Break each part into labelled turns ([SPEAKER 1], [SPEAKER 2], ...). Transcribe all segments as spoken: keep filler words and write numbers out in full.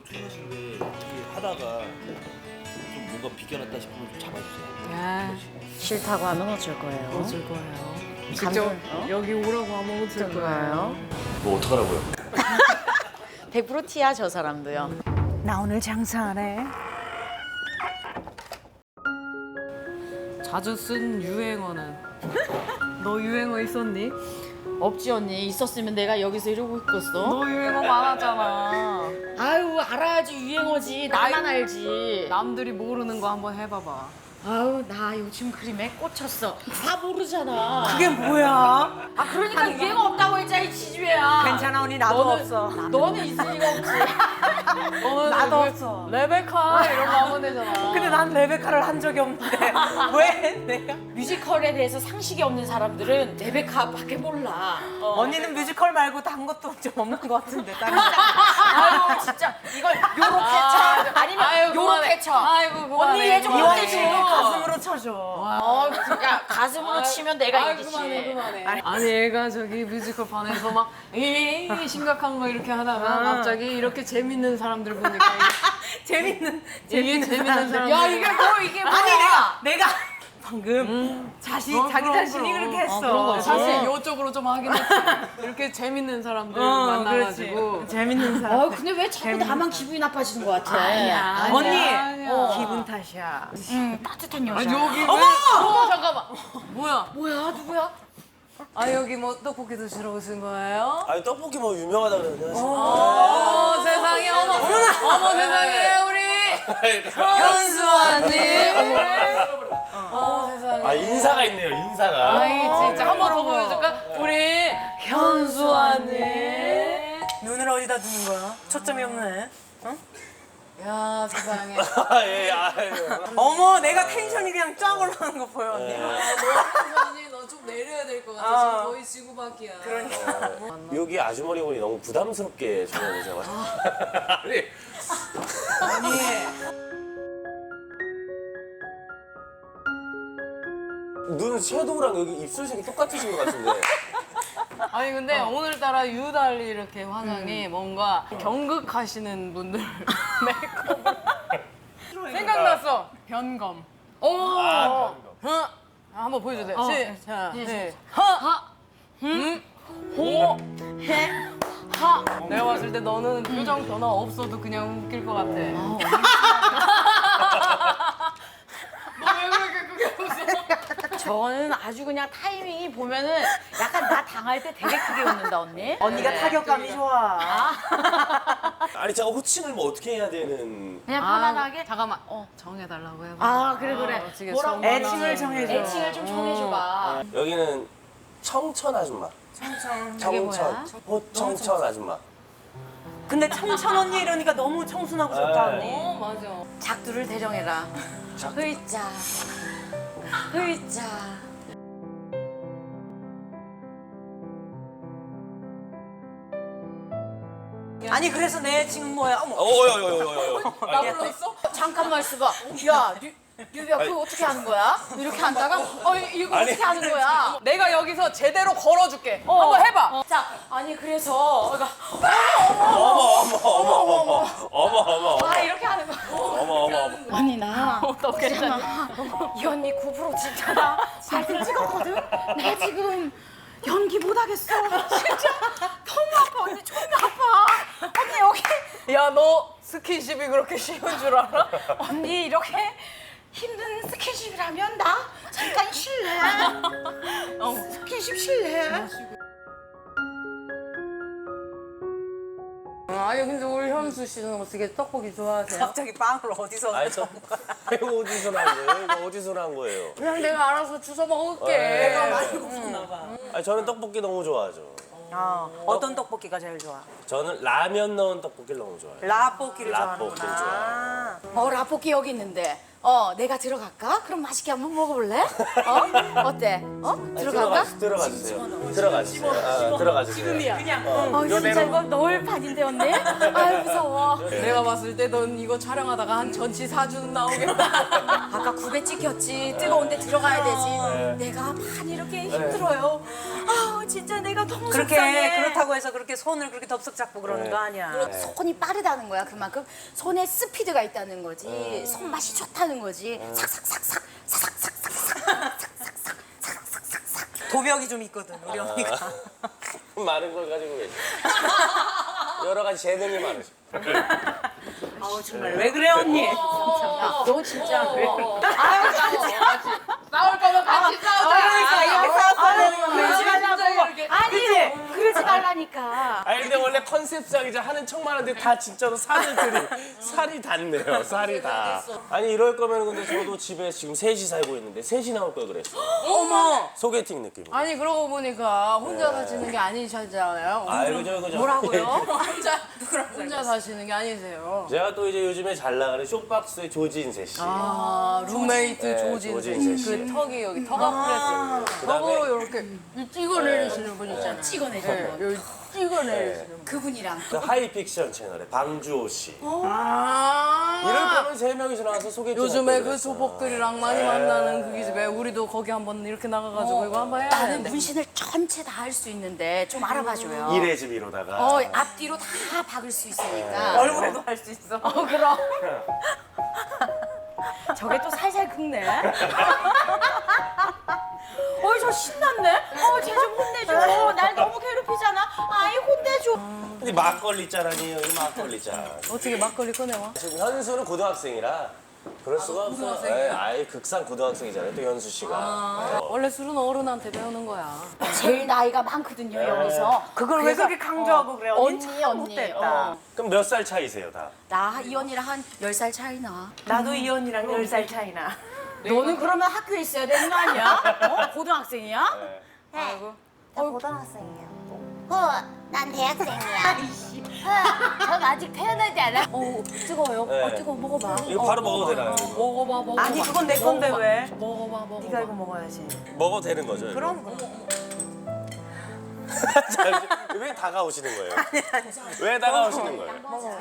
[SPEAKER 1] 또 출연하시는데 이렇게 하다가 좀 뭔가 비껴났다 싶으면 좀 잡아주세요.
[SPEAKER 2] 야,
[SPEAKER 3] 싫다고 하면 어쩔 거예요?
[SPEAKER 2] 어쩔 거예요.
[SPEAKER 3] 감정,
[SPEAKER 2] 직접
[SPEAKER 3] 어?
[SPEAKER 2] 여기 오라고 하면 어쩔 거예요.
[SPEAKER 1] 뭐 어떡하라고요?
[SPEAKER 3] 백 퍼센트 티야 저 사람도요.
[SPEAKER 4] 나 오늘 장사하네.
[SPEAKER 2] 자주 쓴 유행어는? 너 유행어 있었니?
[SPEAKER 3] 없지 언니. 있었으면 내가 여기서 이러고 있겠어?
[SPEAKER 2] 너 유행어 많았잖아.
[SPEAKER 3] 아유 알아야지 유행어지. 나만 알지.
[SPEAKER 2] 남들이 모르는 거 한번 해봐봐.
[SPEAKER 3] 아유 나 요즘 그림에 꽂혔어. 다 모르잖아.
[SPEAKER 4] 그게 뭐야?
[SPEAKER 3] 아 그러니까 유행어 없다고 했잖아 이 지주야.
[SPEAKER 4] 괜찮아 언니 나도
[SPEAKER 3] 너는,
[SPEAKER 4] 없어.
[SPEAKER 3] 너는 있을 리가 없지.
[SPEAKER 2] 너는
[SPEAKER 4] 나도
[SPEAKER 2] 그
[SPEAKER 4] 없어.
[SPEAKER 2] 레베카 이런 거 하면 되잖아.
[SPEAKER 4] 근데 난 레베카를 한 적이 없는데 왜 내가?
[SPEAKER 3] 뮤지컬에 대해서 상식이 없는 사람들은 레베카밖에 몰라. 어.
[SPEAKER 4] 언니는 뮤지컬 말고 단 것도 좀 없는 것 같은데. 다른 거.
[SPEAKER 3] 아유 진짜 이걸 요렇게 쳐 아니면
[SPEAKER 2] 아이고, 그만해.
[SPEAKER 3] 요렇게 쳐.
[SPEAKER 2] 아이고 그만해.
[SPEAKER 3] 언니 얘 좀
[SPEAKER 4] 이왕
[SPEAKER 3] 어때
[SPEAKER 4] 치고
[SPEAKER 3] 줘.
[SPEAKER 4] 가슴으로 쳐줘.
[SPEAKER 3] 어, 야 가슴으로 치면 내가
[SPEAKER 2] 아이고,
[SPEAKER 3] 이기지.
[SPEAKER 2] 그만해 그만해. 아니 얘가 저기 뮤지컬 반에서 막 에이 심각한 거 이렇게 하다가 갑자기 이렇게 재밌는 사람들 보니까
[SPEAKER 4] 재밌는
[SPEAKER 2] 이게, 이게 재밌는 사람들.
[SPEAKER 3] 야 이게 뭐 이게 뭐야?
[SPEAKER 4] 아니 내가 내가 방금 자신
[SPEAKER 2] 그럼,
[SPEAKER 4] 자기
[SPEAKER 2] 그럼,
[SPEAKER 4] 자신이
[SPEAKER 2] 그럼.
[SPEAKER 4] 그렇게 했어.
[SPEAKER 3] 어, 그런 거지.
[SPEAKER 2] 사실 이쪽으로 좀 하긴 했지. 이렇게 재밌는 사람들
[SPEAKER 4] 어,
[SPEAKER 2] 만나가지고.
[SPEAKER 4] 그렇지. 재밌는 사람.
[SPEAKER 3] 어 근데 왜 자꾸 나만 기분이 나빠지는 것 같아?
[SPEAKER 2] 아니야.
[SPEAKER 4] 언니
[SPEAKER 2] 아니야.
[SPEAKER 4] 어. 기분 탓이야.
[SPEAKER 3] 응 따뜻한 여자.
[SPEAKER 2] 아 여기
[SPEAKER 4] 어머!
[SPEAKER 2] 어머 잠깐만. 뭐야?
[SPEAKER 3] 뭐야 누구야?
[SPEAKER 2] 아 여기 뭐 떡볶이 드시러 오신 거예요?
[SPEAKER 5] 아니 떡볶이 뭐 유명하다 그러는데
[SPEAKER 2] 어 세상에 어머 어머 세상에 우리 현수아님. 어 세상에.
[SPEAKER 5] 아 인사가 있네요 인사가.
[SPEAKER 2] 아이 진짜 한 번 더 보여줄까? 우리 현수아님.
[SPEAKER 4] 눈을 어디다 두는 거야? 초점이 없네. 어?
[SPEAKER 2] 야 세상에.
[SPEAKER 5] 예, 아유.
[SPEAKER 4] 어머 내가 텐션이 그냥 쫙 올라가는 거 보여 언니.
[SPEAKER 2] 현수아님 너 좀 내려야 될 것 같아.
[SPEAKER 4] 어.
[SPEAKER 2] 지금 거의 지구밖이야.
[SPEAKER 4] 그러니까.
[SPEAKER 5] 여기 아주머니 분이 너무 부담스럽게 전화오셔가지고. 아니. 눈 섀도우랑 여기 입술색이 똑같으신 것 같은데.
[SPEAKER 2] 아니 근데 오늘따라 유달리 이렇게 화장이 뭔가 경극하시는 분들 메이크업 생각났어. 변검. 오.
[SPEAKER 5] 아,
[SPEAKER 2] 어. 한번 보여주세요.
[SPEAKER 3] 어.
[SPEAKER 2] 시작.
[SPEAKER 3] 시-
[SPEAKER 2] 네. 하. 음. 호. 해. 하. 내가 봤을 때 너는 표정 변화 없어도 그냥 웃길 것 같아. 너 왜 그렇게 그게 웃어?
[SPEAKER 3] 저는 아주 그냥 타이밍이 보면은 약간 나 당할 때 되게 크게 웃는다 언니.
[SPEAKER 4] 언니가 타격감이 좋아.
[SPEAKER 5] 아니 제가 호칭을 뭐 어떻게 해야 되는?
[SPEAKER 3] 그냥 편안하게.
[SPEAKER 2] 아, 잠깐만. 어 정해달라고 해봐.
[SPEAKER 3] 아 그래 그래.
[SPEAKER 2] 어떻게
[SPEAKER 3] 뭐라고
[SPEAKER 2] 정하나.
[SPEAKER 4] 애칭을 정해줘.
[SPEAKER 3] 애칭을 좀 정해줘봐.
[SPEAKER 5] 여기는 청천 아줌마.
[SPEAKER 4] 청청.
[SPEAKER 3] 그게 뭐야?
[SPEAKER 5] 청천. 호청천 아줌마.
[SPEAKER 4] 근데 청천 언니 이러니까 너무 청순하고 좋다
[SPEAKER 5] 네.
[SPEAKER 4] 언니.
[SPEAKER 2] 어 맞아.
[SPEAKER 3] 작두를 대정해라. 의자. 의자.
[SPEAKER 4] 아니 그래서 내 애칭은 뭐야? 어머.
[SPEAKER 5] 어여여여여.
[SPEAKER 2] 나 불렀어?
[SPEAKER 3] 잠깐만 있어봐. 야, 류, 류비야 그거 어떻게 하는 거야? 이렇게 앉다가 어 이거
[SPEAKER 5] 아니.
[SPEAKER 3] 어떻게 하는 거야?
[SPEAKER 2] 내가 여기서 제대로 걸어줄게. 한번 해봐.
[SPEAKER 3] 어, 자, 아니 그래서 내가
[SPEAKER 5] 어머 어머 어머 어머 어머 어머
[SPEAKER 3] 아 이렇게 하는 거야.
[SPEAKER 5] 어머 어머 어머.
[SPEAKER 3] 아니 나
[SPEAKER 2] 어떻게
[SPEAKER 3] 있잖아. 이 언니 구 프로 진짜 나 사진 찍었거든. 나 지금 연기 못 하겠어. 진짜 너무 아파 언니 존나 아파. 언니 여기
[SPEAKER 2] 야, 너 스킨십이 그렇게 쉬운 줄 알아?
[SPEAKER 3] 언니 이렇게 힘든 스킨십이라면 나 잠깐 쉴래. 어, 스킨십 쉴래.
[SPEAKER 2] 아니, 근데 우리 현수 씨는 어떻게 떡볶이 좋아하세요?
[SPEAKER 4] 갑자기 빵을 어디서?
[SPEAKER 5] 아니 저 이거 어디서 난 거예요? 이거 어디서 난 거예요?
[SPEAKER 2] 그냥 내가 알아서 주워 먹을게.
[SPEAKER 5] 내가
[SPEAKER 4] 많이 먹었나 봐.
[SPEAKER 5] 아니 저는 떡볶이 너무 좋아하죠.
[SPEAKER 4] 아, 어떤 떡볶이가 제일 좋아?
[SPEAKER 5] 저는 라면 넣은 떡볶이를 너무 좋아해요.
[SPEAKER 4] 라볶이를
[SPEAKER 5] 라볶이를
[SPEAKER 4] 좋아하는구나.
[SPEAKER 3] 어 라볶이 여기 있는데 어 내가 들어갈까? 그럼 맛있게 한번 먹어볼래? 어 어때? 어 들어갈까?
[SPEAKER 5] 들어가, 들어가 주세요. 들어가 주세요. 아, 들어가 주세요. 지금이야.
[SPEAKER 4] 그냥
[SPEAKER 3] 어 진짜 이거 넣을 판인데 언니? 아유 무서워.
[SPEAKER 2] 내가 봤을 때 넌 이거 촬영하다가 한 전치 사주는 나오겠다.
[SPEAKER 3] 아까 굽에 찍혔지 뜨거운데 들어가야 되지. 내가 판 이렇게 힘들어요. 아우 진짜 내가 너무
[SPEAKER 4] 그렇게
[SPEAKER 3] 속상해.
[SPEAKER 4] 그렇다고 해서 그렇게 손을 그렇게 덥석 잡고 그러는
[SPEAKER 5] 네.
[SPEAKER 4] 거 아니야.
[SPEAKER 3] 손이 빠르다는 거야. 그만큼 손에 스피드가 있다는 거지. 손맛이 좋다는 거지. 삭삭삭삭 삭삭삭삭
[SPEAKER 4] 도벽이 좀 있거든 우리 언니가.
[SPEAKER 5] 많은 걸 가지고 계시. 여러 가지 재능이 많으시.
[SPEAKER 4] 아우 정말 왜 그래 언니?
[SPEAKER 3] 너 진짜 그래.
[SPEAKER 2] 아유 진짜. 싸울 거면 같이 싸우자.
[SPEAKER 4] 그러니까 이렇게 싸웠어야 되는 건데.
[SPEAKER 3] 그러지 말라고. 아니 그러지 말라니까.
[SPEAKER 5] 아니 근데 원래 컨셉상이자 하는 척 많은데 다 진짜로 살을 들이 살이 닿네요. 살이 다. 아니 이럴 거면 근데 저도 집에 지금 셋이 살고 있는데 셋이 나올 걸 그랬어.
[SPEAKER 2] 어머.
[SPEAKER 5] 소개팅 느낌.
[SPEAKER 2] 아니 그러고 보니까 혼자 사시는 게 아니시잖아요.
[SPEAKER 5] 아유 그죠 그죠.
[SPEAKER 2] 뭐라고요? 혼자 혼자 사시는 게 아니세요.
[SPEAKER 5] 제가 또 이제 요즘에 잘 나가는 쇼박스의 조진세 씨.
[SPEAKER 2] 아 룸메이트
[SPEAKER 5] 네,
[SPEAKER 2] 조진세
[SPEAKER 5] 조진세 씨.
[SPEAKER 2] 그 턱이 여기 턱 프레스 턱으로 이렇게 찍어내리시는 분 있잖아요.
[SPEAKER 3] 찍어내시는 분.
[SPEAKER 2] 여기 찍어내리시는 분.
[SPEAKER 3] 그분이랑
[SPEAKER 5] 그 하이픽션 채널의 방주호 씨.
[SPEAKER 2] 아
[SPEAKER 5] 이럴 거면 세 명이서 나와서 소개팅.
[SPEAKER 2] 요즘에
[SPEAKER 5] 할
[SPEAKER 2] 그
[SPEAKER 5] 걸
[SPEAKER 2] 조폭들이랑 많이 만나는 그 기집애 우리도 거기 한번 이렇게 나가가지고 이거 한번 해야
[SPEAKER 3] 나는
[SPEAKER 2] 되는데.
[SPEAKER 3] 문신을 전체 다 할 수 있는데 좀 알아봐줘요.
[SPEAKER 5] 이래 집 이러다가.
[SPEAKER 3] 어 앞뒤로 다 박을 수 있으니까.
[SPEAKER 4] 얼굴에도 할 수 있어.
[SPEAKER 3] 어 그럼. 저게 또 살살 긁네. 어이 저 신났네. 어쟤 좀 혼내줘. 날 너무 괴롭히잖아. 아이 혼내줘.
[SPEAKER 5] 근데 막걸리 짠 아니에요? 이 막걸리 짠.
[SPEAKER 2] 어떻게 막걸리 꺼내와?
[SPEAKER 5] 지금 현수는 고등학생이라 그럴 수가 없어요. 네, 아예 극상 고등학생이잖아요. 또 현수 씨가.
[SPEAKER 2] 원래 술은 어른한테 배우는 거야.
[SPEAKER 3] 제일 나이가 많거든요 여기서.
[SPEAKER 4] 그걸 왜
[SPEAKER 3] 그래서,
[SPEAKER 4] 그렇게 강조하고 그래? 언니
[SPEAKER 3] 언니
[SPEAKER 4] 참
[SPEAKER 3] 언니.
[SPEAKER 4] 못됐다.
[SPEAKER 3] 어.
[SPEAKER 5] 그럼 몇 살 차이세요, 다?
[SPEAKER 3] 나 이 언니랑 한 열 살 차이 나.
[SPEAKER 4] 나도 이 언니랑 열 살 차이 나.
[SPEAKER 3] 너는 그러면 학교에 있어야 되는 거 아니야? 어? 고등학생이야?
[SPEAKER 6] 네, 나 고등학생이에요. 어, 난 대학생이야. 어, 전 아직 태어나지 않아.
[SPEAKER 2] 어 뜨거워요.
[SPEAKER 5] 네.
[SPEAKER 2] 어 뜨거워 먹어봐.
[SPEAKER 5] 이거 바로 먹어도 되나요? 이거?
[SPEAKER 2] 먹어봐 먹어봐.
[SPEAKER 4] 아니 그건 내 건데
[SPEAKER 2] 먹어봐.
[SPEAKER 4] 왜?
[SPEAKER 2] 먹어봐 먹어봐.
[SPEAKER 4] 네가 이거 먹어야지.
[SPEAKER 5] 먹어도 되는 거죠? 이거?
[SPEAKER 4] 그럼 그럼.
[SPEAKER 5] 잠시- 왜 다가오시는 거예요? 왜 다가오시는 거예요?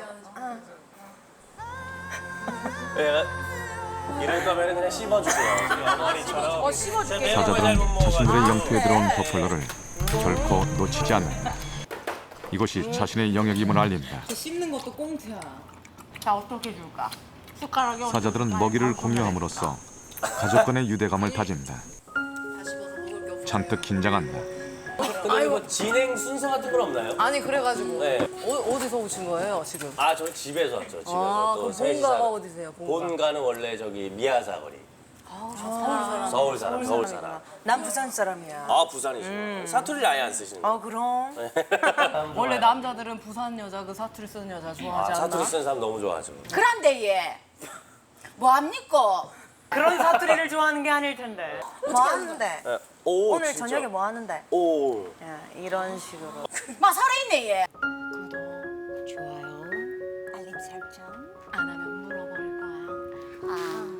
[SPEAKER 5] 예, 이럴 거면 그냥 씹어주세요. 우리 어머니처럼.
[SPEAKER 2] 어 씹어줄게.
[SPEAKER 7] 사자들은 자신들의 영토에 들어온 버플러를 결코 놓치지 않는다. 이곳이 자신의 영역임을 알린다.
[SPEAKER 2] 씹는 것도 꽁트야. 자 어떻게 줄까? 숟가락이 어디
[SPEAKER 7] 사자들은
[SPEAKER 2] 있을까?
[SPEAKER 7] 먹이를
[SPEAKER 2] 아,
[SPEAKER 7] 공유함으로써 가족 간의 유대감을 다진다.
[SPEAKER 2] 다 씹어서 먹을 게 없어.
[SPEAKER 7] 잔뜩 긴장한다.
[SPEAKER 5] 근데 뭐 진행 순서 같은 건 없나요?
[SPEAKER 2] 아니 그래가지고
[SPEAKER 5] 네.
[SPEAKER 2] 어, 어디서 오신 거예요 지금?
[SPEAKER 5] 아, 저 집에서 왔죠. 집에서.
[SPEAKER 2] 아,
[SPEAKER 5] 또
[SPEAKER 2] 그럼
[SPEAKER 5] 셋이
[SPEAKER 2] 본가가
[SPEAKER 5] 사는-
[SPEAKER 2] 어디세요? 본가.
[SPEAKER 5] 본가는 원래 저기 미아사거리.
[SPEAKER 2] 아, 서울 사람.
[SPEAKER 5] 서울 사람, 서울 사람.
[SPEAKER 4] 난 부산 사람이야.
[SPEAKER 5] 아, 부산이시구나. 사투리를 아예 안 쓰시는 거예요?
[SPEAKER 4] 어 그럼.
[SPEAKER 2] 원래 남자들은 부산 여자 그 사투리 쓰는 여자
[SPEAKER 5] 아,
[SPEAKER 2] 좋아하지 않나?
[SPEAKER 5] 사투리 쓰는 사람 너무 좋아하죠.
[SPEAKER 3] 그런데 얘 뭐합니까?
[SPEAKER 4] 그런 사투리를 좋아하는 게 아닐 텐데. 뭐 하는데?
[SPEAKER 5] 예. 오,
[SPEAKER 4] 오늘
[SPEAKER 5] 진짜.
[SPEAKER 4] 저녁에 뭐 하는데?
[SPEAKER 5] 오.
[SPEAKER 4] 야, 이런 식으로.
[SPEAKER 3] 막 살아있네 얘.
[SPEAKER 6] 좋아요. 알림 설정.
[SPEAKER 2] 안 하면 물어버릴 거야.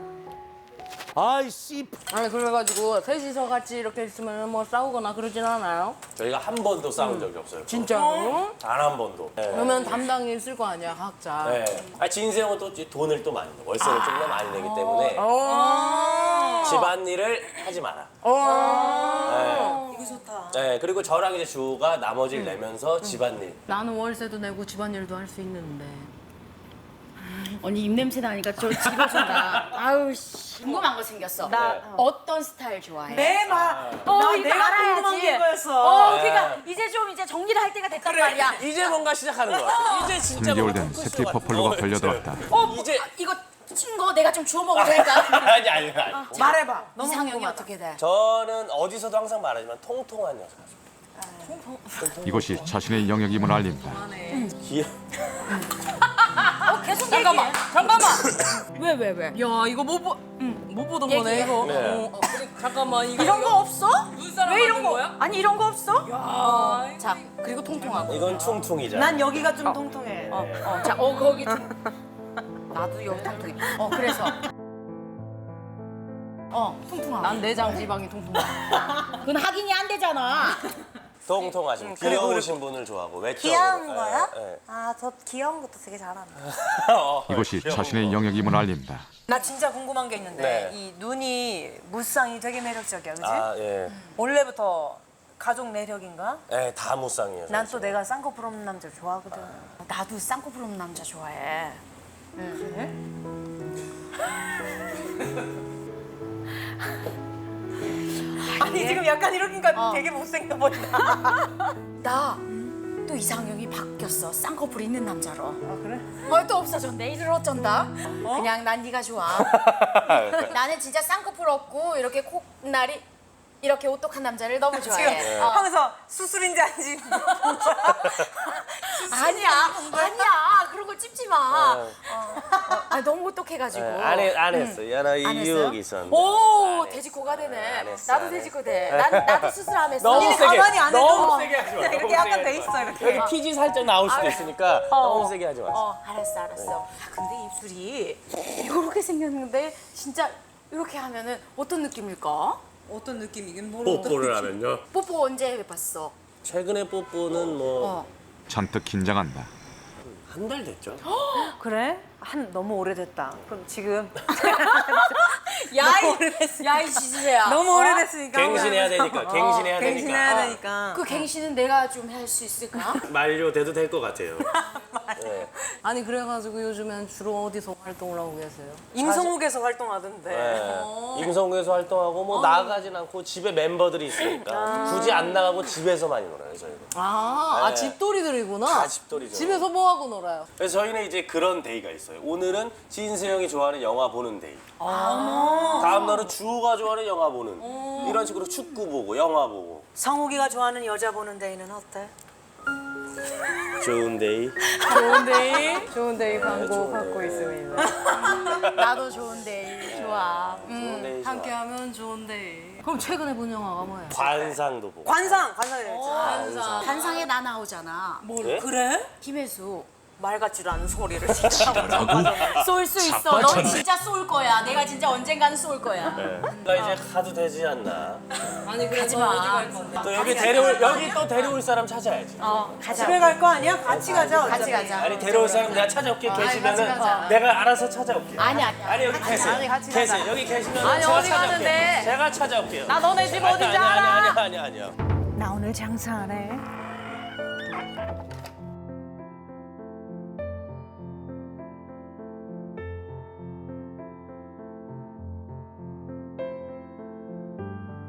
[SPEAKER 5] 아이씨.
[SPEAKER 2] 아니 그래가지고 셋이서 같이 이렇게 있으면 뭐 싸우거나 그러진 않아요?
[SPEAKER 5] 저희가 한 번도 싸운 적이 없어요.
[SPEAKER 2] 진짜로?
[SPEAKER 5] 단 한 번도. 네.
[SPEAKER 2] 그러면 담당이 있을 거 아니야 각자.
[SPEAKER 5] 네. 아, 진세형은 또 돈을 또 많이 내. 월세를 좀 더 많이 내기 때문에
[SPEAKER 2] 어.
[SPEAKER 5] 집안일을 하지 마라.
[SPEAKER 2] 어.
[SPEAKER 4] 이거 좋다.
[SPEAKER 5] 네. 그리고 저랑 이제 주호가 나머지를 내면서 집안일.
[SPEAKER 2] 나는 월세도 내고 집안일도 할 수 있는데.
[SPEAKER 3] 언니 입냄새 나니까 저 집어준다. 아우 씨. 궁금한 거 생겼어.
[SPEAKER 4] 나
[SPEAKER 5] 네.
[SPEAKER 3] 어떤 스타일 좋아해?
[SPEAKER 4] 내 말.
[SPEAKER 3] 어,
[SPEAKER 4] 나
[SPEAKER 3] 이거
[SPEAKER 4] 내가
[SPEAKER 3] 알아야지.
[SPEAKER 4] 궁금한 게 이거였어.
[SPEAKER 3] 어,
[SPEAKER 5] 네.
[SPEAKER 3] 그러니까 이제 좀 이제 정리를 할 때가 됐단 말이야.
[SPEAKER 5] 이제 뭔가 시작하는 것 같아. 이제 진짜
[SPEAKER 7] 삼 개월
[SPEAKER 5] 뭔가
[SPEAKER 7] 된
[SPEAKER 5] 토크쇼
[SPEAKER 7] 새끼
[SPEAKER 5] 같아.
[SPEAKER 7] 버플러가
[SPEAKER 5] 어,
[SPEAKER 7] 걸려들었다.
[SPEAKER 3] 어, 뭐,
[SPEAKER 5] 이제-
[SPEAKER 3] 아, 이거 친 거 내가 좀 주워 먹어도 될까?
[SPEAKER 5] 아니 아니 아니.
[SPEAKER 4] 말해봐. 너무
[SPEAKER 3] 이상형이
[SPEAKER 4] 궁금하다.
[SPEAKER 3] 어떻게 돼?
[SPEAKER 5] 저는 어디서도 항상 말하지만 통통한 여자.
[SPEAKER 7] 이곳이 자신의 영역임을 알린다.
[SPEAKER 5] 귀여.
[SPEAKER 3] 어, 계속
[SPEAKER 2] 잠깐만,
[SPEAKER 3] 얘기해.
[SPEAKER 2] 잠깐만.
[SPEAKER 3] 왜, 왜, 왜?
[SPEAKER 2] 야 이거 못 보, 못 보던 거네
[SPEAKER 3] 얘기해.
[SPEAKER 2] 이거.
[SPEAKER 5] 네.
[SPEAKER 2] 어, 어, 잠깐만 이거
[SPEAKER 3] 이런
[SPEAKER 2] 이거
[SPEAKER 3] 거 없어?
[SPEAKER 2] 눈사람
[SPEAKER 3] 왜 이런
[SPEAKER 2] 만든
[SPEAKER 3] 거?
[SPEAKER 2] 거야?
[SPEAKER 3] 아니 이런 거 없어?
[SPEAKER 2] 아,
[SPEAKER 3] 자, 그리고 통통하고.
[SPEAKER 5] 이건 퉁퉁이잖아.
[SPEAKER 4] 난 여기가 좀 통통해.
[SPEAKER 3] 어, 어, 자, 어 거기 좀. 나도 여기 통통해. 어, 그래서. 어, 통통하고.
[SPEAKER 2] 난 내장 지방이 통통해.
[SPEAKER 3] 그건 확인이 안 되잖아.
[SPEAKER 5] 통통하신 귀여우신 분을 좋아하고 외적.
[SPEAKER 6] 귀여운 거요?
[SPEAKER 5] 네.
[SPEAKER 6] 아, 저 귀여운 것도 되게 잘합니다.
[SPEAKER 7] 이곳이 자신의 영역임을 알린다.
[SPEAKER 4] 나 진짜 궁금한 게 있는데
[SPEAKER 5] 네.
[SPEAKER 4] 이 눈이 무쌍이 되게 매력적이야, 그지?
[SPEAKER 5] 아 예.
[SPEAKER 4] 원래부터 가족 내력인가?
[SPEAKER 5] 네, 다 무쌍이에요.
[SPEAKER 4] 난 또 내가 쌍꺼풀 없는 남자 좋아하거든.
[SPEAKER 3] 나도 쌍꺼풀 없는 남자 좋아해.
[SPEAKER 4] 아니 지금 약간 이러니까
[SPEAKER 3] 어.
[SPEAKER 4] 되게 못생겨 보인다.
[SPEAKER 3] 나 또 이상형이 바뀌었어. 쌍꺼풀 있는 남자로.
[SPEAKER 4] 아 그래?
[SPEAKER 3] 어, 또 없어졌네. 이를 어쩐다. 그냥 난 네가 좋아. 나는 진짜 쌍꺼풀 없고 이렇게 콧날이 이렇게 오똑한 남자를 너무
[SPEAKER 4] 지금
[SPEAKER 3] 좋아해. 어.
[SPEAKER 4] 하면서 수술인지 아닌지
[SPEAKER 3] 아니야, 아니야. 그런 걸 찝지 마. 어. 어. 아, 너무 오똑해가지고.
[SPEAKER 5] 네, 안, 해, 안 했어. 야, 나
[SPEAKER 3] 안 했어요?
[SPEAKER 5] 유혹이 있었는데.
[SPEAKER 3] 오,
[SPEAKER 5] 안 했어.
[SPEAKER 3] 돼지코가 되네.
[SPEAKER 5] 안 했어,
[SPEAKER 3] 나도
[SPEAKER 5] 안
[SPEAKER 3] 돼지코 돼. 난, 나도 수술하면서.
[SPEAKER 5] 너무
[SPEAKER 4] 언니는
[SPEAKER 5] 세게,
[SPEAKER 4] 가만히 안 해도
[SPEAKER 5] 너무 세게 하지 마.
[SPEAKER 4] 이렇게
[SPEAKER 5] 너무
[SPEAKER 4] 약간
[SPEAKER 5] 세게
[SPEAKER 4] 돼
[SPEAKER 5] 하지
[SPEAKER 4] 있어,
[SPEAKER 5] 마.
[SPEAKER 4] 이렇게.
[SPEAKER 5] 여기 피지 살짝 나올 수도 있으니까 너무 세게 하지 마세요.
[SPEAKER 3] 어, 알았어, 알았어. 야, 근데 입술이 이렇게 생겼는데 진짜 이렇게 하면은 어떤 느낌일까?
[SPEAKER 4] 어떤 느낌이긴 뭘
[SPEAKER 5] 뽀뽀를 하면요.
[SPEAKER 3] 뽀뽀 언제 해봤어?
[SPEAKER 5] 최근에 뽀뽀는 뭐
[SPEAKER 3] 어.
[SPEAKER 7] 잔뜩 긴장한다.
[SPEAKER 5] 한 달 됐죠.
[SPEAKER 4] 그래? 한 너무 오래됐다. 그럼 지금
[SPEAKER 3] 야이, 야이 지지배야.
[SPEAKER 4] 너무 오래됐으니까
[SPEAKER 5] 갱신해야 되니까. 갱신해야 되니까.
[SPEAKER 4] 갱신해야 되니까.
[SPEAKER 3] 그 갱신은 내가 좀 할 수 있을까?
[SPEAKER 5] 만료돼도 될 것 같아요. 네.
[SPEAKER 2] 아니 그래가지고 요즘엔 주로 어디서 활동을 하고 계세요?
[SPEAKER 4] 임성욱에서 활동하던데.
[SPEAKER 5] 네. 임성구에서 활동하고 뭐 나가진 않고 집에 멤버들이 있으니까 굳이 안 나가고 집에서 많이 놀아요 저희는.
[SPEAKER 2] 아,
[SPEAKER 5] 네.
[SPEAKER 2] 아 집돌이들이구나.
[SPEAKER 5] 다 집돌이죠.
[SPEAKER 2] 집에서 뭐 하고 놀아요?
[SPEAKER 5] 그래서 저희는 이제 그런 데이가 있어요. 오늘은 진세영이 좋아하는 영화 보는 데이. 다음 날은 주호가 좋아하는 영화 보는. 이런 식으로 축구 보고 영화 보고.
[SPEAKER 4] 성욱이가 좋아하는 여자 보는 데이는 어때?
[SPEAKER 5] 좋은 데이.
[SPEAKER 2] 좋은 데이, 좋은 데이 광고
[SPEAKER 5] 좋은
[SPEAKER 2] 받고
[SPEAKER 5] 데이.
[SPEAKER 2] 있습니다.
[SPEAKER 3] 나도 좋은데 좋아.
[SPEAKER 5] 좋은 데이 좋아.
[SPEAKER 2] 함께하면 좋은 데이. 그럼 최근에 본 영화가 뭐예요?
[SPEAKER 5] 관상도 보고.
[SPEAKER 4] 관상! 관상이랬지.
[SPEAKER 5] 관상.
[SPEAKER 3] 반상에 나 나오잖아.
[SPEAKER 5] 네?
[SPEAKER 4] 그래?
[SPEAKER 3] 김혜수.
[SPEAKER 4] 말 같지도 않은 소리를 진짜.
[SPEAKER 3] 쏠 수 있어. 넌 진짜 쏠 거야. 내가 진짜 언젠가는 쏠 거야.
[SPEAKER 5] 나 이제 가도 되지 않나.
[SPEAKER 2] 아니 그래서
[SPEAKER 3] 가지 마.
[SPEAKER 2] 어디 갈 건데?
[SPEAKER 5] 또 여기 데려올 여기 또 데려올 사람 찾아야지.
[SPEAKER 3] 어, 가자.
[SPEAKER 4] 집에 갈 거 아니야? 같이 가자.
[SPEAKER 3] 같이
[SPEAKER 4] 어차피.
[SPEAKER 3] 가자.
[SPEAKER 5] 아니 데려올 사람 내가 찾아올게 계시면은
[SPEAKER 2] 같이 가자.
[SPEAKER 5] 내가 알아서 찾아올게.
[SPEAKER 3] 아니 아니.
[SPEAKER 5] 아니 여기 계세요.
[SPEAKER 2] 아니, 같이 가자.
[SPEAKER 5] 계세요. 여기 계시면
[SPEAKER 2] 아니,
[SPEAKER 5] 제가
[SPEAKER 2] 어디
[SPEAKER 5] 찾아올게요.
[SPEAKER 2] 가는데?
[SPEAKER 5] 제가 찾아올게요.
[SPEAKER 2] 나 너네 집
[SPEAKER 5] 아니,
[SPEAKER 2] 어딘지
[SPEAKER 5] 아니,
[SPEAKER 2] 알아.
[SPEAKER 5] 아니 아니 아니 아니요.
[SPEAKER 4] 나 오늘 장사 안 해.